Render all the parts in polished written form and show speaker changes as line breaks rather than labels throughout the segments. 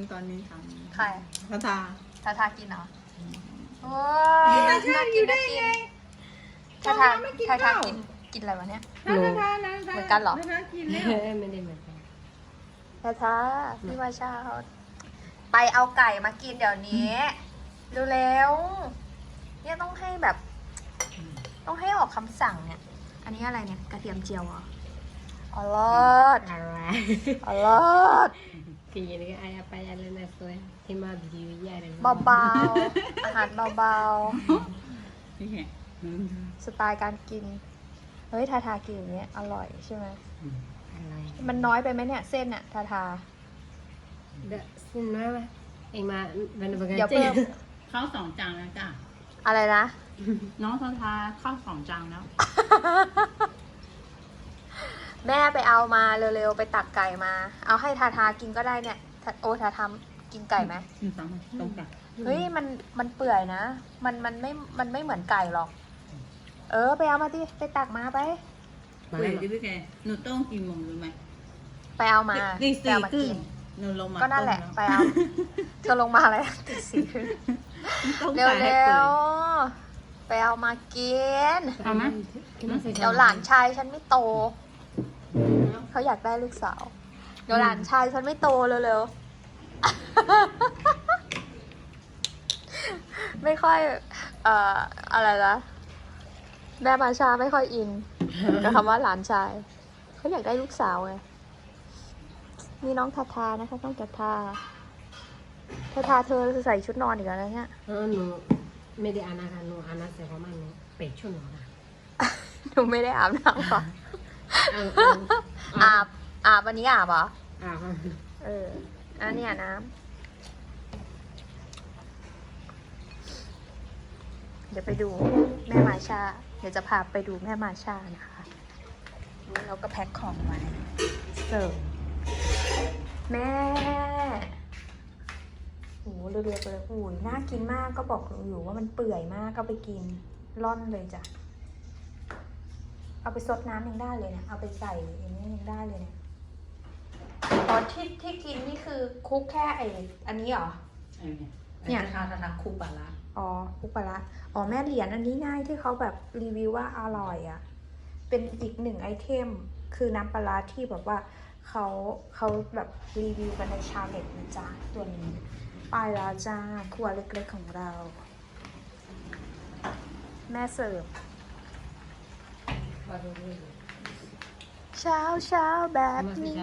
ตอนนี้ท
ใคร
ำทา
ทากินเหรอโอ้ยน่ากินน่ากินทากินอะไรวะเนี่ย
ทา
เหมือนกันเหรอ
ทากินแล้ว
ไม่ได้เหมือนกัน
ทาพี่วาชาเขาไปเอาไก่มากินเดี๋ยวนี้เร็วๆเนี่ยต้องให้แบบ ต้องให้ออกคำสั่งเนี่ย อันนี้อะไรเนี่ยกระเทียมเจียวเหรออร่อย
อะไร
อร่อย
คือยังไงก็ayah payah lena soy tema video ya dan
เบาๆอาหารเบา
นี่ไง
ๆสไตล์การกินเฮ้ยทากินอย่างเงี้ยอร่อยใช่ไหม
อะไร
มันน้อยไปไหมเนี่ยเส้นอะทา
dak senang lah ma mana
เดี๋ยวเพิ่ม
ข้าว2 จานแล้วจ้ะ
อะไรนะ
น้องทาข้าว2 จานแล้ว
แม่ไปเอามาเร็วๆไปตักไก่มา เอาให้ทากินก็ได้เนี่ยโอ้ทาทำกินไก่ไหม
ตรงกัน
เฮ้ยมันเปื่อยนะมันไม่เหมือนไก่หรอก ไปเอามาดิไปตักมาไป
เฮ้ยพี่แกหนูต้องกี่โมงรู้ไหม
ไปเอามา
ตี
ไปเอามา
4 ครึ่
กิ
ง
น
หนูลงมา
ก็นั่นแหละไปเอาเธอลงมาอะไรตีสี่ครึ่ง
ต้อง
เร็
ใส่ให้
ว
เปิด
ๆไปเอามากิน
เอาไหม
เดี๋ยวหลานชายฉันไม่โต เขาอยากได้ลูกสาว เดี๋ยวหลานชายฉันไม่โตเร็วๆ ไม่ค่อย อะไรนะแม่มาชาไม่ค่อยอินกับคำว่าหลานชาย เขาอยากได้ลูกสาวไงนี่น้องทานะคะน้องทาเธอใส่ชุดนอนอีกแล้วเนี่ย
หนูไม่ได้อานาค่ะหนูอานาใส่ประมาณนี้เป็ดชุดหนูค่ะ
หนูไม่ได้อาบน้ำหรอ อาบวันนี้อาบเหรอ อันเนี้ยน้ำเดี๋ยวไปดูแม่มาชา เดี๋ยวจะพาไปดูแม่มาชานะคะเราก็แพ็คของไว้เสิร์ฟแม่โหเรือๆเลยโอ้ยน่ากินมากก็บอกอยู่ว่ามันเปื่อยมากก็ไปกินร่อนเลยจ้ะเอาไปซดน้ำยังได้เลยเนี่ยเอาไปใส่อย่างนี้ยังได้เลยเนี่ยอ๋อที่กินนี่คือคุกแค่อันนี้เหรอ เนี่ย
ทาคูปลาร้า
อ๋อคุกปลาร้าอ๋อแม่เหรียญอันนี้ง่ายที่เขาแบบรีวิวว่าอร่อยอ่ะเป็นอีกหนึ่งไอเทมคือน้ำปลาร้าที่แบบว่าเขาแบบรีวิวกันในชาวเน็ตนะจ๊ะตัวนี้ไปแล้วจ้าครัวเล็กๆของเรา แม่เสิร์ฟเช้าแบบนี้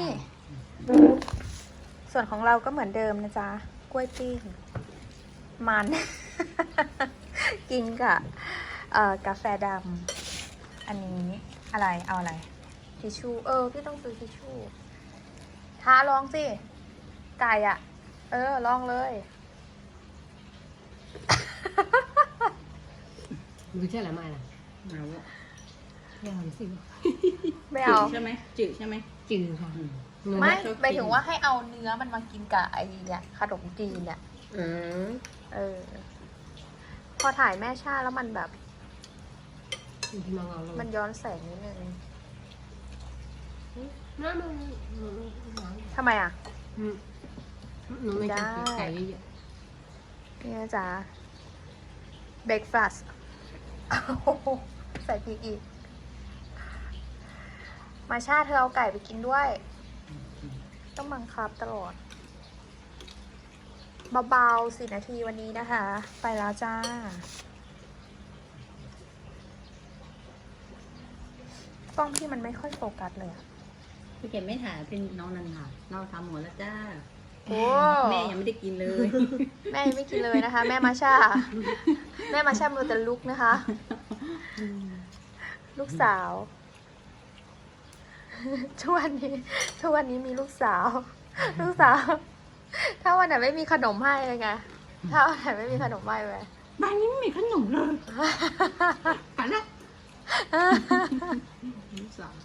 ส่วนของเราก็เหมือนเดิมนะจ๊ะกล้วยปิ้งมัน กินกับกาแฟดำอันนี้อะไรเอาอะไรทิชชู่พี่ต้องซื้อทิชชู่ทาลองสิไก่อ่ะลองเลย
รู้ใช่หรือไม่ล่ะ
เอา
ยังสิ
ไม่
จื
เอา
ดใช่ไหมจืดใช่ไหม
จืดค่ะ
ไม่ไปถึงว่าให้เอาเนื้อมันมากินกับไอ้เนี่ยขนมจีนเนี่ยพอถ่ายแม่ชาแล้วมันแบบ
ที่น้องเอาลง
มันย้อนแสงนิดนึง
น้ำมัน
ทำไมอ่ะ
หนูไม่กินไก่เยอะ
นี่นะจ๊ะเบรกฟาสต์ใส่พริกอีก มาชาเธอเอาไก่ไปกินด้วย ต้องบังคับตลอด เบาๆ4 นาทีวันนี้นะคะ ไปแล้วจ้ากล้องพี่มันไม่ค่อยโฟกัสเลยอะ
พี่แกไม่ถ่ายเป็นน้องนันค่ะน้องทำหมดแล้วจ้า
โอ้
แม่ยังไม่ได้กินเลย
แม่ยังไม่กินเลยนะคะ แม่มาชา แม่มาชามือแต่ลุกนะคะ ลูกสาว ทุกวันนี้มีลูกสาว ถ้าวันไหนไม่มีขนมให้เลยไง ถ้าวันไหนไม่มีขนมให้เลย
บ้านนี้ไม่มีขนมเลยไปละลูกสาว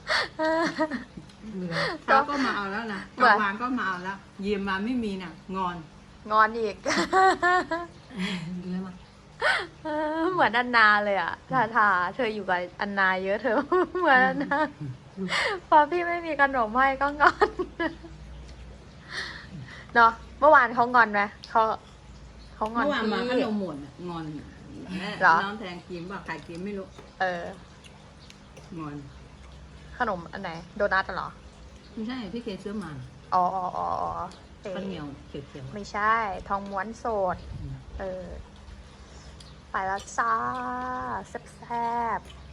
เขาก็มาเอาแล้วนะกวางก็มาเอาแล้วเยี่ยมมาไม่มีน่ะงอน
งอนอีก
ดูแล้วมั้ย
เหมือนอันนาเลยอ่ะทาเธออยู่กับอันนาเยอะเธอ เหมือนอันนาพอพี่ไม่มีขนมให้ก็งอน เนาะเมื่อวานเขางอนไหมเขางอน
เมื่อวานมาข
พี่
นมหมดอะงอนแม่
เหรอ
น้องแทงกินบอกใครกินไม่รู้
เออ
งอน
ขนมอันไหน โดนัทเหรอ
ไม่ใช่พี่เคซื้อมา
อ๋ออ๋ออ๋ออ๋อเออ
ข้าวเหนียวเขียว
ไม่ใช่ ทองม้วนโสด
ๆ
เออ ไปแล้วจ้าแซ่บๆ